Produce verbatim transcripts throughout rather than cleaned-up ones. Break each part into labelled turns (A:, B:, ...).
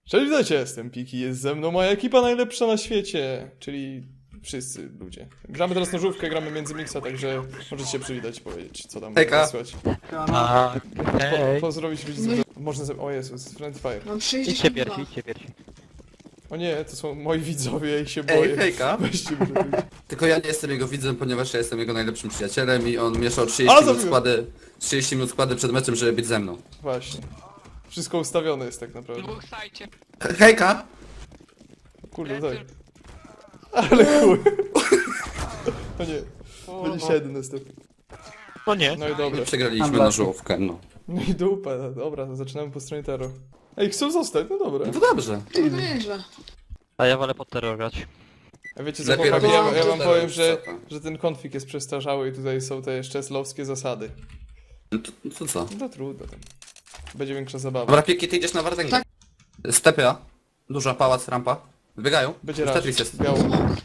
A: Cześć, witajcie, jestem Piki, jest ze mną moja ekipa najlepsza na świecie, czyli wszyscy ludzie. Gramy teraz nożówkę, gramy między mixa, także możecie się przywitać i powiedzieć, co tam
B: Hejka.
A: słychać.
C: A, hej.
A: Po, pozdrowić widzów. Można ze... O Jezus, Friendly Fire.
D: Mam
C: Idźcie
D: sześćdziesiąt dwa.
C: pierwsi, idźcie pierwsi.
A: O nie, to są moi widzowie i się boję.
B: Ej, hejka.
A: Weźcie mnie zrobić.
B: Tylko ja nie jestem jego widzem, ponieważ ja jestem jego najlepszym przyjacielem i on mieszał
A: A,
B: trzydzieści minut
A: zabiłem.
B: składy, trzydzieści minut składy przed meczem, żeby być ze mną.
A: Właśnie. Wszystko ustawione jest tak naprawdę.
E: Dwóch sajcie.
B: He- Hejka!
A: Kurde, tak. Ale chuj. O nie. Będzie siedem następny.
C: No nie.
A: No i dobra.
B: Przegraliśmy na żółwkę, no.
A: No i dupa, dobra, zaczynamy po stronie Tero. Ej, chcą zostać? No dobra.
B: No to dobrze.
D: To nieźle.
C: A ja wolę pod terror grać.
A: A wiecie co,
B: Lepiej
A: chłopaki, ja,
B: robić
A: ja wam
B: teraz,
A: powiem, że,
B: co tam?
A: że ten konflikt jest przestarzały i tutaj są te szczeslowskie zasady.
B: No to, no to co?
A: No to trudno tam. Będzie większa zabawa.
B: Dobra, Piki, ty idziesz na Wardęgę.
D: Tak.
B: Stepy A. Duża, pałac, rampa. Wybiegają.
A: Będzie
B: Już
A: raz.
B: Tetris jest.
A: Biało.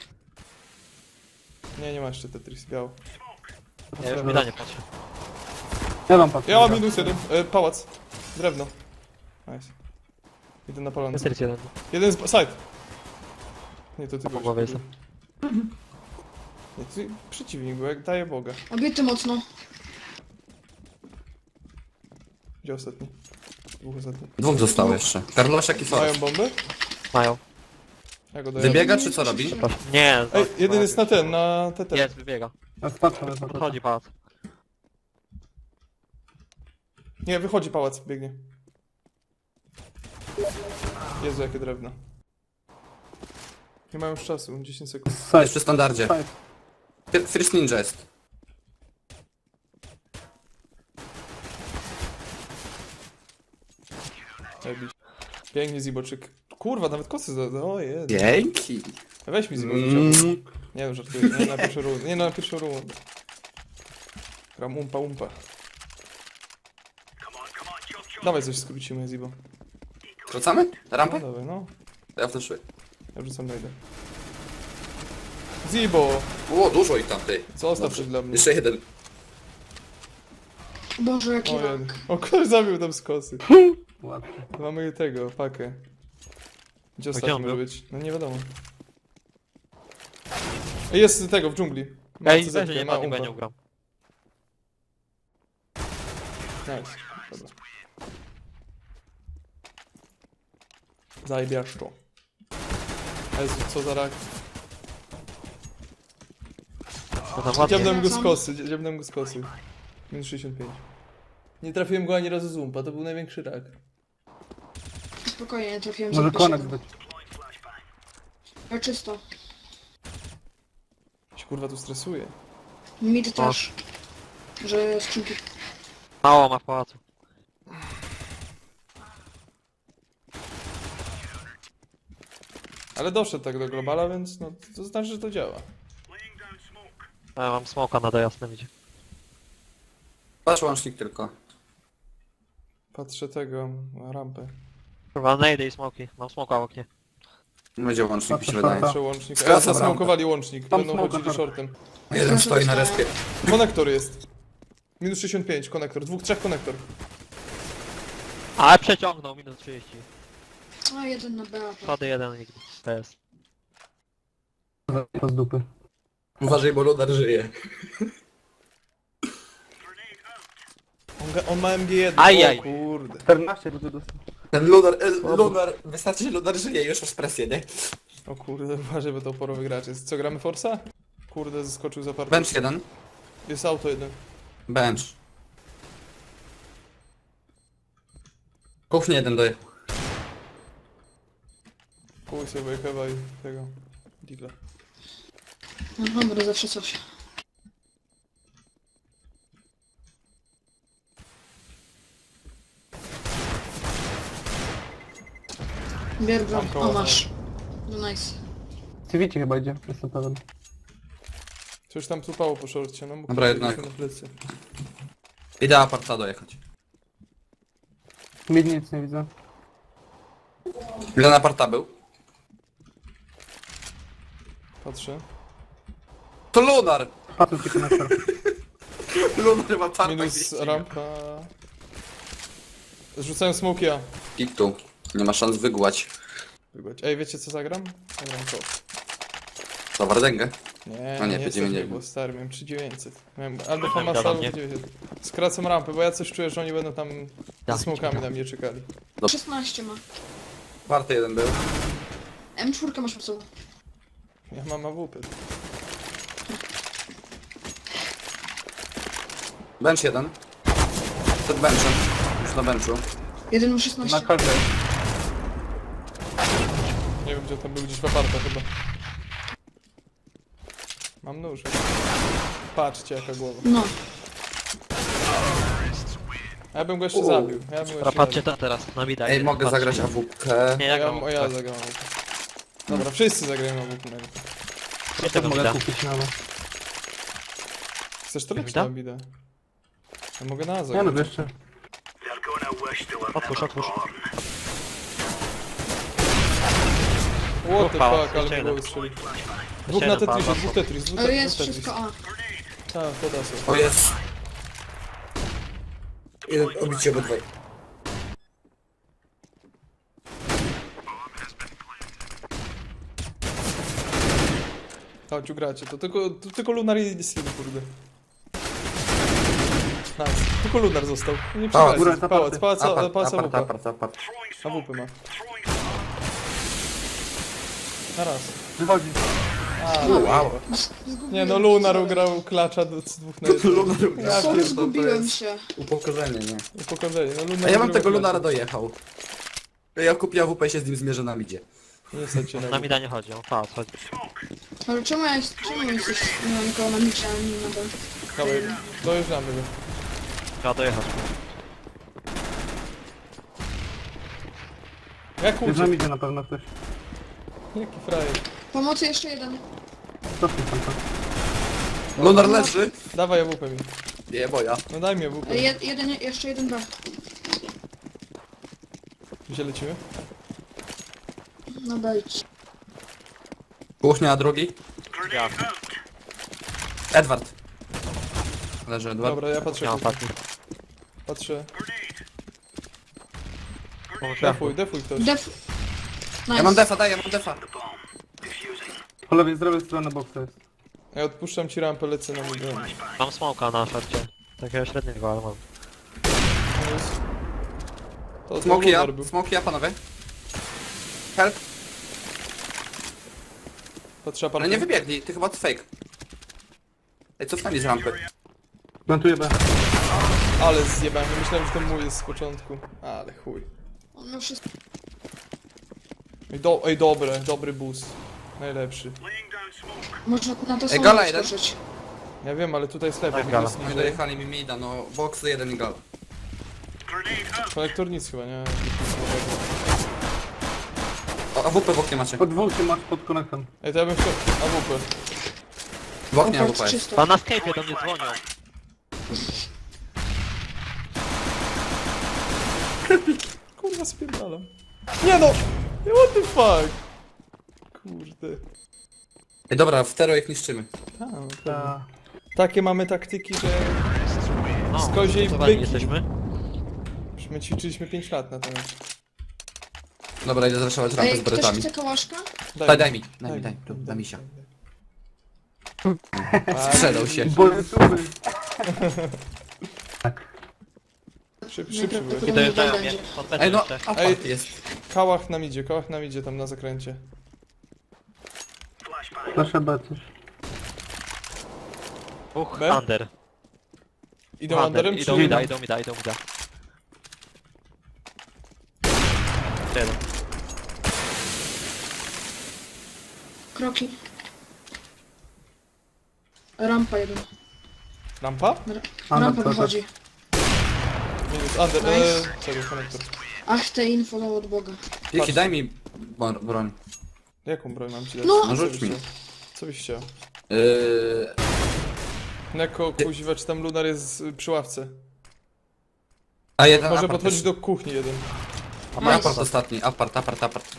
A: Nie, nie ma jeszcze Tetris, biało.
C: Ja już mi nie patrzę.
F: Ja mam patrzę.
A: Ja mam minus jeden. E, pałac. Drewno. Nice. Jeden na polance.
C: Jest jeden.
A: Jeden z... side. Nie, to ty
C: Po
A: byłeś.
C: głowie jestem.
A: Nie, ty przeciwnik był, jak daje Boga.
D: Obity mocno.
A: Gdzie ostatni? Dwóch ostatnich.
B: Dwóch zostało jeszcze. Karlosiak i
A: Mają
B: Forest.
A: bombę?
C: Mają.
A: Ja go daję.
B: Wybiega czy co robi?
C: Proszę. Nie.
A: Ej,
C: za-
A: jeden jest na ten, na T T.
C: Jest, wybiega.
F: Ja spatrzę, ale patrzę.
C: Podchodzi pałac.
A: Nie, wychodzi pałac, biegnie. Jezu, jakie drewno. Nie mają już czasu, dziesięć sekund.
B: Jest
F: Side,
B: przy standardzie.
F: side.
B: Fir- First Ninja jest.
A: Zajebiście. Pięknie Ziboczyk. Kurwa, nawet kosy za... O jest.
B: Dzięki.
A: Weź mi Ziboczyk.
B: Mm.
A: Nie no, żartuję. Nie na pierwszą rundę. Nie na pierwszą rundę. Gram umpa umpa. Dawaj coś skrócimy, Zibo.
B: Wracamy?
A: No
B: Rampę?
A: dawaj, no.
B: Ja wtedy.
A: Ja wrzucam dojdę. Zibo!
B: O, dużo ich tam, ty.
A: Zostaw
B: Dobrze.
A: coś dla mnie.
B: Jeszcze jeden.
D: Boże, jaki
A: O, jeden.
D: rak.
A: O, ktoś zabił tam z kosy.
F: Ładnie.
A: Mamy tego, pakę. Gdzie
C: gdzie
A: ostatni
C: on
A: może
C: był?
A: być? No nie wiadomo. Ej, jest tego, w dżungli. Ma
C: Ej,
A: C Z,
C: weź, że nie
A: ma
C: padnie, bo
A: umpa.
C: ja nie ugram.
A: Nice. Dobra. Zajebiasz to. Jezu, co za rak.
C: To tam ładnie.
A: Dziabnąłem go z
D: Wracam.
A: kosy, dziabnąłem go z kosy. Minus sześćdziesiąt pięć. Nie trafiłem go ani razu z umpa, to był największy rak.
D: Spokojnie, nie trafiłem
F: Może
D: za
F: konek
D: pierwszego.
F: być.
D: Ja czysto.
A: Się kurwa tu stresuje.
D: Mid też. Że skrzynki.
C: Mało ma w pałacu.
A: Ale doszedł tak do globala, więc no to znaczy, że to działa.
C: A ja mam smoka na dojasnym idzie.
B: Patrz łącznik tylko.
A: Patrzę tego, na rampę.
C: Kurwa, najdę i smoki. Mam smoka w oknie.
B: Będzie łącznik, mi się
F: Patrzę,
B: wydaje.
A: Patrzę łącznik. A
B: Skracam
A: ja zasmokowali łącznik,
F: Tam
A: będą
F: smoka,
A: chodzili
F: tak.
A: shortem.
B: Jeden stoi na respie.
A: Konektor jest. Minus sześćdziesiąt pięć, konektor. Dwóch, trzech konektor.
C: Ale przeciągnął, minus trzydzieści.
D: A, jeden na B.
C: Schody jeden i P S.
F: To z dupy.
B: Uważaj, bo Ludar żyje.
A: On, ga- on ma M G jeden.
C: Ajaj.
A: O kurde.
F: czternaście rudy dostał.
B: Ten Ludar, e, Ludar, wystarczy, że Ludar żyje, już masz presję, nie?
A: O kurde, uważaj, bo to oporowy gracz jest. Co, gramy Forsa? Kurde, zeskoczył za parę.
B: Bench jeden.
A: Jest auto jeden.
B: Bench. Kuchnie jeden doje.
A: Kuj sobie Kewa i tego. Digla.
D: No dobra, zawsze coś. Bier broń.
A: Mam koło,
D: O, masz. No nice.
F: Civici chyba idzie, jestem pewien.
A: Coś tam tupało po szorcie, no mógł
B: Dobra,
A: powiedzieć
B: jednak.
A: na plecy.
B: Idę aparta dojechać.
F: Mid nic nie widzę.
B: Ile na aparta był?
A: Patrzę.
B: To Ludar!
F: Patrzę ci konektor.
B: Ludar ma parta
A: Minus rampa. Zrzucają smoki A.
B: Pik tu. Nie ma szans wygłać.
A: Wygłać. Ej, wiecie co zagram? Zagram to.
B: To Wardęgę.
A: Nie,
B: A nie,
A: nie,
B: P
A: nie
B: dziewięćdziesiąt.
A: było stary, miałem trzy tysiące dziewięćset. Miałem albo
C: Tam
A: Famasa,
C: gada
A: albo
C: mnie.
A: dziewięćset. Skracam rampę, bo ja coś czuję, że oni będą tam
C: Ja.
A: ze smokami na mnie czekali.
D: szesnaście ma.
B: Warty jeden był.
D: M cztery masz po sobą.
A: Ja mam A W P.
B: Bench jeden. Przed benchem. Już na benchu.
D: Jeden ma
F: Na
D: szesnaście.
F: kartę.
A: Nie wiem gdzie tam był, gdzieś w aparta chyba. Mam nóż. Patrzcie jaka głowa.
D: No.
A: Ja bym go jeszcze
B: U.
A: zabił. Ja bym go jeszcze
C: Dobra, patrzcie
A: zabił.
C: to teraz, na mida.
B: Ej,
C: idę,
B: mogę
C: patrzcie.
B: zagrać A W P.
C: Nie,
A: Ja,
C: ja
A: ja,
C: gram.
A: ja zagram A W P. Dobra, wszyscy zagrają A W P.
C: Nie
F: Też
C: tego
F: mogę
C: mida.
F: kupić na no.
A: Chcesz to lecieć
C: Mida?
A: na bidę? Ja mogę na
F: Nie no,
A: zagrać.
F: jeszcze.
C: Otwórz, otwórz.
A: What the
C: Ufa,
A: fuck, ale
C: jeszcze
A: mnie
C: jeden.
A: głowy strzeli. Dwóch
C: Jeszcze
A: na
C: jeden
A: Tetrisie,
C: pa-
A: dwóch Tetris, dwóch
D: Ale
A: Tetris.
D: jest
A: dwóch Tetris.
D: wszystko A.
A: Tak, to da sobie.
B: O jest. Jeden obicie obydwaj.
A: Chodź, ugracie to. Tylko, to, tylko Lunar i Slim, kurde. Nice. Tylko Lunar został. Nie
B: Pałac,
A: przegrajcie.
F: góra,
A: Pałac,
F: apart.
A: pałac,
B: Apart,
A: pałac A W
B: apart,
A: P.
B: apart, apart.
A: A W P ma. Na raz.
F: Wychodzi.
A: A,
B: Wow.
D: Zgubiłem
A: nie no,
D: się,
A: Lunar
D: sorry.
A: ugrał klacza do z dwóch na jeden.
B: Lunar ugrał.
D: Sorry,
B: To
D: zgubiłem
B: jest
D: się.
B: Upokorzenie, nie?
A: Upokorzenie. No, Lunar
B: A ja mam
A: wygrywa
B: tego
A: klacza.
B: Lunara dojechał. Ja kupię A W P i się z nim zmierzę na midzie.
A: Nie stać się na
C: Na
A: nim.
C: mida nie chodzi, on pałac chodzi.
D: Ale czemu ja jest, czemu jesteś nie mam nikogo na micie, a nie na B?
A: Dawaj, dojeżdżamy go.
C: Trzeba dojechać.
A: Jak
F: Jest na
A: uciekł?
F: midzie na pewno ktoś.
A: Jaki frajer.
D: Pomocy jeszcze jeden.
F: Cofnij tam to.
B: Lunar leży.
A: Dawaj A W P mi.
B: Nie, boja.
A: No daj mi A W P.
D: E, Jed, jeden, jeszcze jeden B.
A: Gdzie lecimy?
D: No dajcie.
B: Kuchnia drugi.
C: Ja,
B: Edward. Leży Edward.
A: Dobra, ja patrzę.
C: nie mam
A: kuchnię.
C: ostatni.
A: Patrzę.
C: Pomóż
A: Defuj, defuj ktoś.
D: Def... Nice.
B: Ja mam defa, daj, ja mam defa.
F: Po lewej, z lewej strony boksa jest.
A: Ja odpuszczam ci rampę, lecę na mój dron.
C: Mam smoka na szarcie. Takiego średniego, ale mam.
A: To jest... To, to
B: Smoki ja,
A: Lunar był.
B: smoki ja, panowie. Help.
A: Patrzę
B: Ale
A: apartę.
B: nie wybiegli, ty chyba to fake. Ej, cofnęli z rampy.
F: Plantuję B.
A: Ale zjebałem, nie myślałem, że to mój jest z początku. Ale chuj.
D: On ma wszystko.
A: Ej, do, ej dobre, dobry boost. Najlepszy.
D: Można na to
B: Ej,
D: samo
B: gala jeden.
D: skoczyć.
A: Ja wiem, ale tutaj jest lepiej.
C: Tak,
A: bo
C: gala.
A: to
B: No
A: jest
B: i dojechali mi mida, no boxy jeden i gal.
A: Konektor nic chyba, nie?
B: O, A W P w oknie macie.
F: Pod dwóch się masz pod konektem.
A: Ej, to ja bym chciał... A W P.
B: W oknie A W
D: Oprócz
B: P jest.
D: czysto.
C: Pan na Skype'ie do mnie dzwonią.
A: Kurwa, spierdalam. Nie no! What the fuck? Kurde.
B: Ej, dobra, w tero ich niszczymy.
A: A, no to...
F: Ta...
A: Takie mamy taktyki, że...
C: No,
A: Z koziej
C: zbudowani
A: byki.
C: jesteśmy.
A: Już my ćwiczyliśmy pięć lat na temat.
B: Dobra, idę zraszować rampę
D: Ej,
B: z
D: ktoś
B: beretami.
D: chce kałaszka?
B: Daj, daj mi, daj mi, daj, tu, daj mi się. Sprzedał się.
F: Boletuły.
A: Szybszy, szybszy byłeś.
C: I dojeżdżają mnie.
D: będzie.
C: Pod B
B: Ej, no,
C: jeszcze.
B: apart jest.
A: Kałach nam idzie, kałach nam idzie tam na zakręcie.
F: Proszę B coś.
C: Dwóch
A: B?
C: under.
A: Idą
C: Under.
A: underem czy...
C: Idą mida, idą mida, idą mida. Jeden.
D: Kroki. Rampa jeden.
A: Rampa?
F: A,
D: Rampa
F: no,
D: wychodzi.
A: Minus, under,
D: Nice.
A: eee, sorry, konektor.
D: Ach, te info dał od Boga.
B: Jaki, daj mi bro- broń.
A: Jaką broń mam ci dać?
D: No.
A: Co
B: No rzuć
A: byś
B: mi.
A: chciał? Co byś chciał?
B: Yy...
A: Neko, kuźwa, czy tam Lunar jest y, przy ławce?
B: A jeden
A: Może
B: apart
A: podchodzić
B: jest.
A: do kuchni jeden.
D: Nice.
B: Apart ostatni, apart, apart, apart.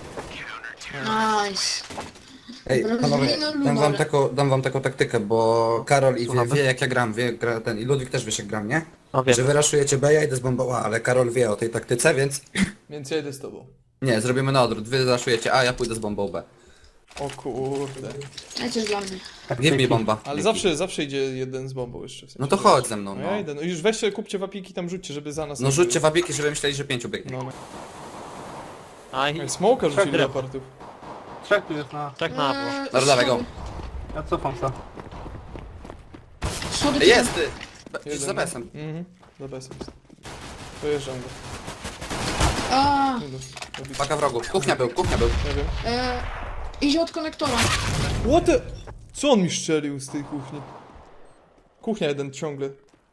D: Nice.
B: Ej,
D: Dobra,
B: panowie,
D: zmienimy
B: dam wam,
D: Lunarę.
B: taką, dam wam taką taktykę, bo Karol i wie,
C: Słuchamy.
B: wie jak ja gram, wie, gra ten, i Ludwik też wiesz jak gram, nie?
C: No wiem.
B: że wyraszujecie B, ja idę z bombą A, ale Karol wie o tej taktyce, więc...
A: Więc ja idę z tobą.
B: Nie, zrobimy na odwrót. Wy raszujecie A, ja pójdę z bombą B.
A: O kurde.
D: Lecisz dla mnie.
B: Give mi bomba.
A: Ale
B: Give
A: zawsze, zawsze idzie jeden z bombą jeszcze. W sensie,
B: No to
A: że-
B: chodź ze mną,
A: No
B: no.
A: ja idę. No już weźcie, kupcie wapiki, tam rzućcie, żeby za nas...
B: No
A: nie
B: rzućcie
A: było.
B: wabiki, żeby myśleli, że pięciu biegnie.
A: No, no.
C: A i
A: Ej, Smoka rzucili
C: Drewno.
A: leopardów.
F: Trzech tu jest na...
C: trzech na było.
D: Eee,
B: Dobra, dawaj go.
F: Ja cofam se.
D: Schody
B: Ej, jest ty! Be-
A: Jeden,
B: Za
A: no.
B: besem.
A: Mhm, za besem. Dojeżdżam go.
D: A,
A: Nie, no, robić.
B: Paka wrogów. Kuchnia był, kuchnia był.
A: Nie wiem.
D: eee, idzie od konektora.
A: What the... Co on mi strzelił z tej kuchni? Kuchnia jeden ciągle.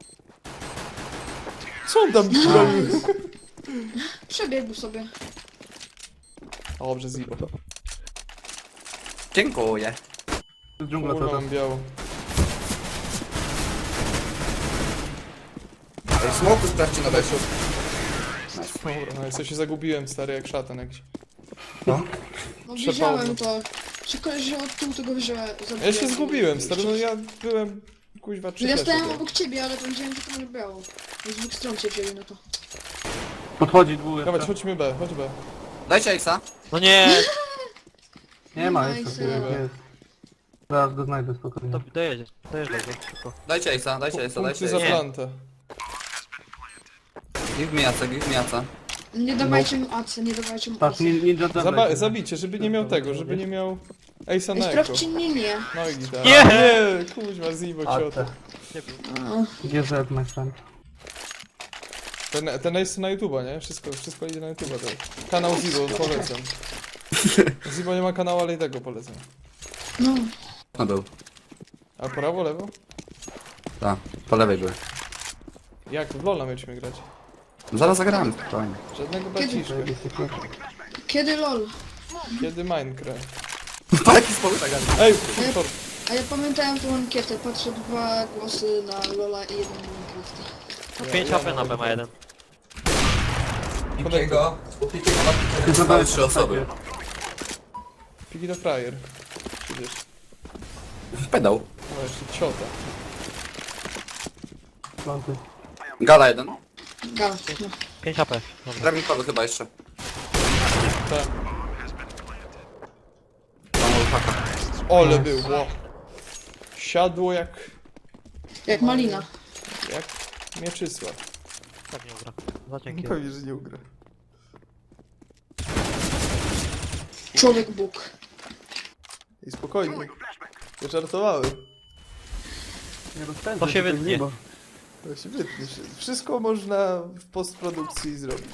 A: Co on tam robił?
D: Przebiegł sobie.
A: Dobrze, Zibo.
B: Dziękuję.
F: To jest dżungla
A: Kurwa,
F: teraz.
A: mam biało.
B: Ej, smoku sprawdźcie na besiu.
A: Dobra, no ja się zagubiłem, stary, jak szatan jakiś.
B: No.
D: No
A: Przepadło.
D: widziałem to. Czy koleś wziął od tyłu tego wziąłem.
A: Ja się zgubiłem, stary, no ja byłem... Kuźwa, trzy
D: No ja
A: flesze
D: stałem
A: były.
D: obok ciebie, ale to widziałem, że to nie biało. Z dwóch stron cię wzięli na to.
F: Podchodzi dwóch
A: Dawać,
F: jeszcze.
A: chodźmy B, chodź B.
B: Dajcie Axa.
C: No nie!
F: Nie ma
D: Nice.
F: jeszcze. Jest. Zaraz go znajdę spokojnie.
C: To dojedzie, dojeżdżaj go szybko.
B: Dajcie Axa, dajcie Axa,
A: Punkty
B: dajcie
A: za
B: Axa.
C: Nie.
A: plantę.
B: Give me Axa, give me Axa.
D: Nie dawajcie mu acy, nie dawajcie mu
F: Patrz,
D: acy.
F: nin- ninja jump.
A: Zaba zabicie, żeby nie miał tego, żeby nie miał Ace'a na
D: Ej,
A: eko.
D: sprawdźcie linię.
A: No i gitara.
C: Nie!
A: Nie, kuźwa, Zibo,
F: A
A: ciota.
F: te.
C: Nie był.
D: A,
F: G Z, my friend.
A: Ten, ten Ace na YouTube'a, nie? Wszystko, wszystko idzie na YouTube'a. Tak. Kanał Zibo, polecam. Zibo nie ma kanału, ale i tego polecam.
D: no.
B: No był.
A: A prawo, lewo?
B: Tak, po lewej były.
A: Jak? W LoL'a mieliśmy grać.
B: Zaraz zagramy, spokojnie.
A: Żadnego
D: Kiedy?
A: braciszka.
D: Kiedy lol?
A: Kiedy Minecraft?
B: Po jaki sposób tak
A: Ej, super.
D: A ja pamiętałem tą ankietę, patrzę dwa głosy na Lola i jeden na Minecrafta.
C: No
A: Ja-
C: pięć
A: ja
C: A P na
A: nawet
C: B ma jeden.
B: Pikiego.
F: Ty zadałeś
B: trzy osoby.
A: Piki to frajer. Przecież.
B: Pedał.
A: No jeszcze ciota.
F: Planty.
B: Gala jeden.
D: Gal, no.
C: pięć A P. Dobra.
B: Dragnikowy chyba jeszcze.
A: Tak.
B: Mam ulfaka.
A: Ole było. Siadło jak...
D: Jak malina.
A: jak Mieczysław.
C: Tak nie ugra. Za dzięki.
A: Pewnie, że nie ugra.
D: Człowiek Bóg.
A: I spokojnie. Nie żartowałem.
F: Nie rozpędzę
C: To się
F: tutaj
C: wytnie.
F: niebo.
A: To się wytnie się. Wszystko można w postprodukcji zrobić.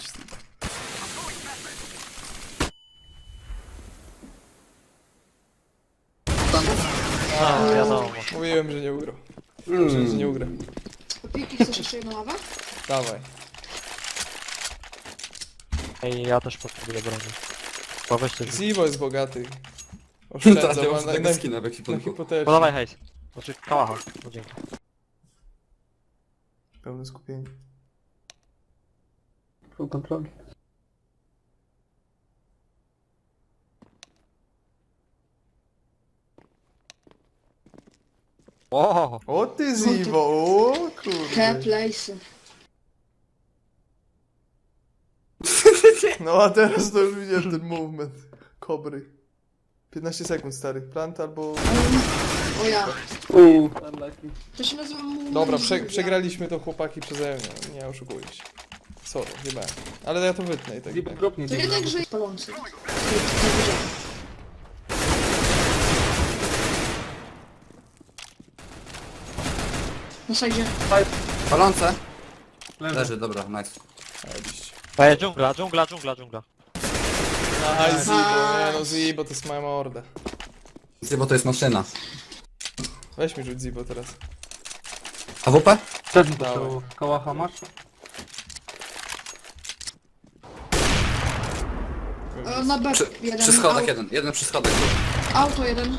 C: A, wiadomo.
A: Mówiłem, że nie ugra.
F: Mm.
A: Że nie ugra.
D: Piki, chcesz jeszcze jedną ławę?
A: Dawaj.
C: Ej, ja też potrzebuję broni. Bo weźcie.
A: Zibo jest bogaty.
B: Tak,
A: Oszczędza,
B: ja
A: ma
B: mam
A: na,
B: tego
A: na,
B: skina w
A: na
B: ekwipunku.
A: hipotece.
C: Podawaj hejs. Znaczy kałacha. No dzięki.
A: Pełne skupienie.
F: Full kontroli.
C: O!
A: O ty Zibo, o kurde.
D: Te place'y.
A: No a teraz to już widziałem ten movement. Kobry. piętnaście sekund stary. Plant albo...
D: O ja.
F: Uuu, unlucky.
D: To się nazywa mu.
A: Dobra, prze, przegraliśmy to chłopaki przeze mnie. Nie oszukuję się. Sorry, chyba. Ale ja to wytnę i tak.
F: Zip
A: tak.
F: dropnie
D: To nie
F: dzień.
D: tak, że jest palący. Nie widziałem. Na sajdzie.
B: Palące.
F: Leży.
B: Leży, dobra, nice.
A: Zajebiście.
C: Ej, dżungla, dżungla, dżungla, dżungla.
A: Aj Zibo, nie no Zibo to jest moja morda.
B: Bo to jest maszyna.
A: Weź mi rzuć Zibo teraz.
B: A W P?
F: Też mi
A: Dawaj.
F: potrzebował. Kałacha masz?
D: E, Na B
B: Przy,
D: jeden.
B: przy schodach
D: Au-
B: jeden, jeden przy schodach.
D: Auto jeden.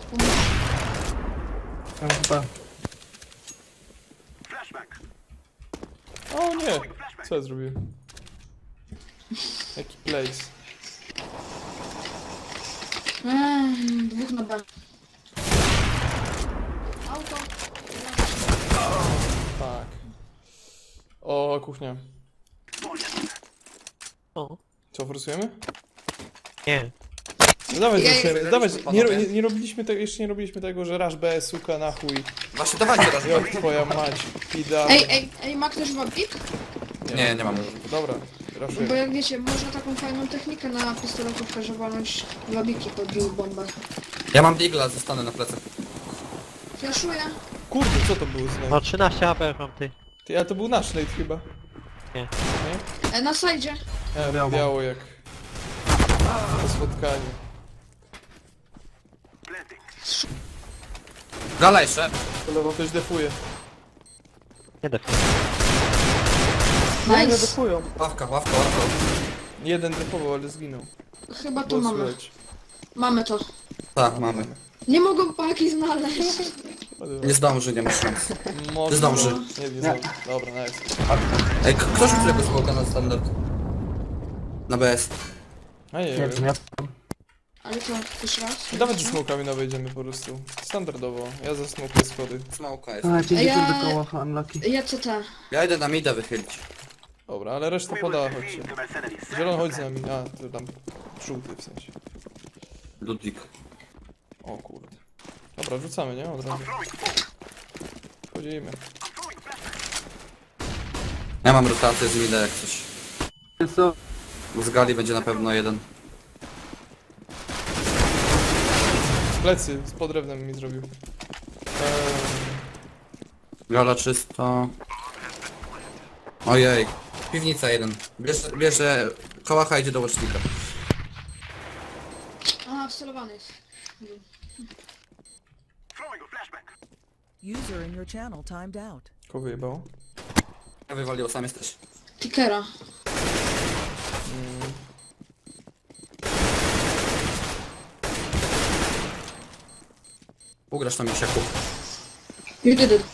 F: M W P.
A: O nie! Co ja zrobiłem? Jaki place.
D: Eee, dwóch na B. Auto.
A: Tak. O, kuchnia.
C: O,
A: Co, forsujemy?
C: nie.
A: No dawaj,
D: Ja-
A: forsujemy.
B: Ja-
A: Dawaj, nie, ro-
B: panowie.
A: nie, nie robiliśmy tego, jeszcze nie robiliśmy tego, że rush B, suka, na chuj.
B: Właśnie dawajcie raz.
A: Jak twoja mać, pida.
D: Ej, ej, ej, ma ktoś wabik?
B: Nie, nie mam.
A: Dobra,
D: Bo
A: ruszuję.
D: jak wiecie, można taką fajną technikę na pistoletówkę, że walnąć wabiki pod bombę.
B: Ja mam digla, zostanę na plecach.
D: Flaszuję.
A: Kurde, co to był znak?
C: No trzynaście A P mam ty.
A: Ty, a to był nasz nate chyba.
C: Nie.
A: Nie?
D: E, na sajdzie.
A: E,
F: Biało.
A: biało jak... Po spotkaniu.
B: Gala jeszcze.
A: Ktoś defuje.
C: Nie def.
D: Nice.
B: Ławka, ławka, ławka.
A: Jeden defował, ale zginął.
D: Chyba to
A: Było
D: mamy.
A: słychać.
D: Mamy to.
B: Tak, mamy.
D: Nie mogą paki znaleźć.
B: Nie zdąży, nie ma szans.
A: Może...
B: zdąży.
A: Nie, nie zdąży. Dobra, nice.
B: Ej, k- ktoś mi tego smoka na standard? Na B S.
A: A nie,
F: Nie
A: wiem.
F: wiem, ja...
D: Ale to jeszcze raz.
A: Dawaj ze smokami na wejdziemy po prostu. Standardowo. Ja za smokuję schody.
B: Smoka jest.
F: A, pięćdziesiąt
D: Ja-
F: do koła, unlucky.
D: Ja C T.
B: Ja idę na mida wychylić.
A: Dobra, ale reszta podała, chodźcie. Zielony, chodź z nami. A, to tam żółty w sensie.
B: Ludwik.
A: O kurde. Dobra, rzucamy, nie? Od razu. Wchodzimy.
B: Ja mam rotację z mida jak coś.
F: Jest co?
B: Z gali będzie na pewno jeden.
A: Plecy, z podrewnem mi zrobił. Eee,
B: Gala czysto. Ojej. Piwnica jeden. Bierze, bierze kołacha idzie do łocznika.
D: Aha, wcelowany jest.
E: User in your channel timed out.
A: kogo wyjebało?
B: Ja wywaliło, sam jesteś.
D: Tickera.
A: Mm,
B: Ugrasz na misiaku.
D: You did it.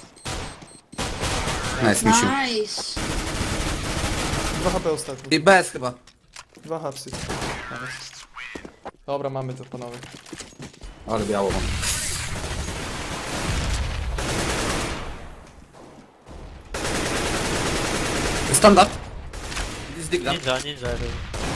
B: Nice, misiu.
D: Nice.
A: dwa H P ostatni.
B: I B S chyba.
A: Dwa hapsy. Nice. Dobra, mamy to panowie.
B: Ale biało mam. Standard. Z digla.
C: Ninja, ninja był.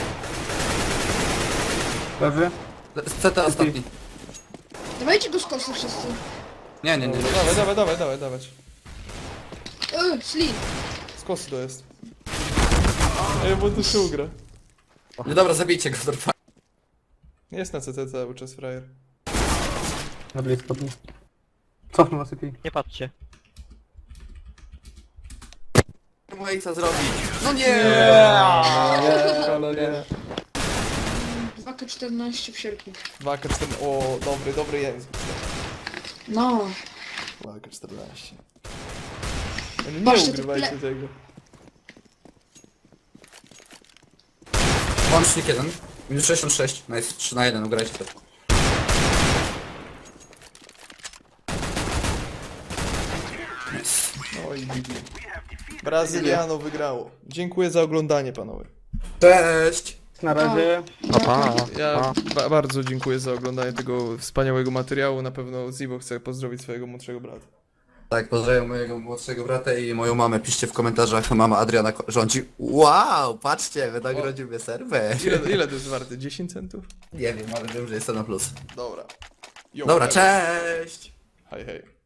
F: Lewy?
B: C T ostatni.
D: Dawajcie go z kosy wszyscy.
B: Nie, nie, nie.
A: Dobra, dawaj, dawaj, dawaj, dawaj, dawać.
D: Eee, sli.
A: Z kosy to jest. Ej, bo tu się ugra.
B: No dobra, zabijcie go, dorwa.
A: Jest na C T cały czas frajer.
F: Na blisko. Cofnę was i
C: Nie patrzcie.
B: No i co zrobić? No nie!
A: Nie.
D: dwa K czternaście w sierpniu.
A: dwa K czternaście. O, dobry, dobry język.
D: No.
A: dwa K czternaście. No nie
D: Patrzcie, to
A: ugrywajcie
D: ple-
A: tego.
B: Łącznik jeden. Minus sześćdziesiąt sześć. Nice, trzy na jeden, ugrajcie to.
A: Oj, Bibi. Brazyliano wygrało. Dziękuję za oglądanie, panowie.
B: Cześć!
F: Na razie.
C: Pa, pa,
A: Ja
C: pa.
A: ba bardzo dziękuję za oglądanie tego wspaniałego materiału. Na pewno Zibo chce pozdrowić swojego młodszego brata.
B: Tak, pozdrawiam mojego młodszego brata i moją mamę. Piszcie w komentarzach, mama Adriana ko- rządzi. Wow, patrzcie, wynagrodził mnie serwer.
A: Ile, ile to jest warte? dziesięć centów?
B: Nie wiem, ale wiem, że jestem na plus.
A: Dobra. Jo,
B: Dobra,
A: hej.
B: cześć!
A: Hej, hej.